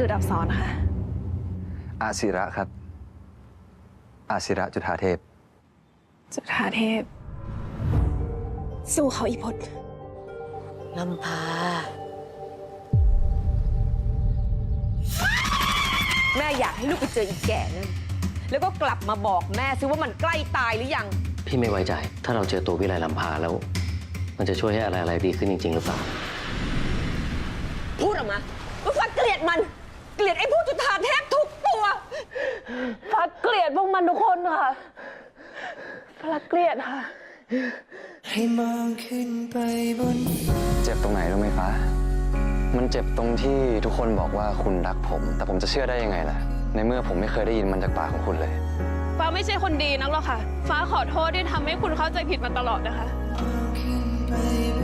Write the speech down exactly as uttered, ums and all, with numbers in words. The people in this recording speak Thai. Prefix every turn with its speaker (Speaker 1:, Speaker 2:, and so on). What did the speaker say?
Speaker 1: ดุดอับสรค่ะ
Speaker 2: อาศิระครับอาศิระจุฑาเทพ
Speaker 1: จุฑาเทพสู้เขาอีพจน์
Speaker 3: ลำพาแม่อยากให้ลูกไปเจออีกแก่นั่นแล้วก็กลับมาบอกแม่ซิว่ามันใกล้ตายหรือยัง
Speaker 4: พี่ไม่ไว้ใจถ้าเราเจอตัววิไลลำพาแล้ว มันจะช่วยให้อะไรอะไรดีขึ้นจริงๆหรือเปล่า
Speaker 3: พูดออกมาว่าฟ้าเกลียดมันเกลียดไอ้พวกจุฑาเทพทุกตัว
Speaker 1: ฟ้าเกลียดพวกมันทุกคนค่ะฟ้าเกลียดค่ะ
Speaker 2: ให้มองขึ้นไปบนเจ็บตรงไหนรู้ไหมฟ้ามันเจ็บตรงที่ทุกคนบอกว่าคุณรักผมแต่ผมจะเชื่อได้ยังไงล่ะในเมื่อผมไม่เคยได้ยินมันจากปากของคุณเลย
Speaker 1: ฟ้าไม่ใช่คนดีนักหรอกค่ะฟ้าขอโทษที่ทำให้คุณเข้าใจผิดมาตลอดนะคะ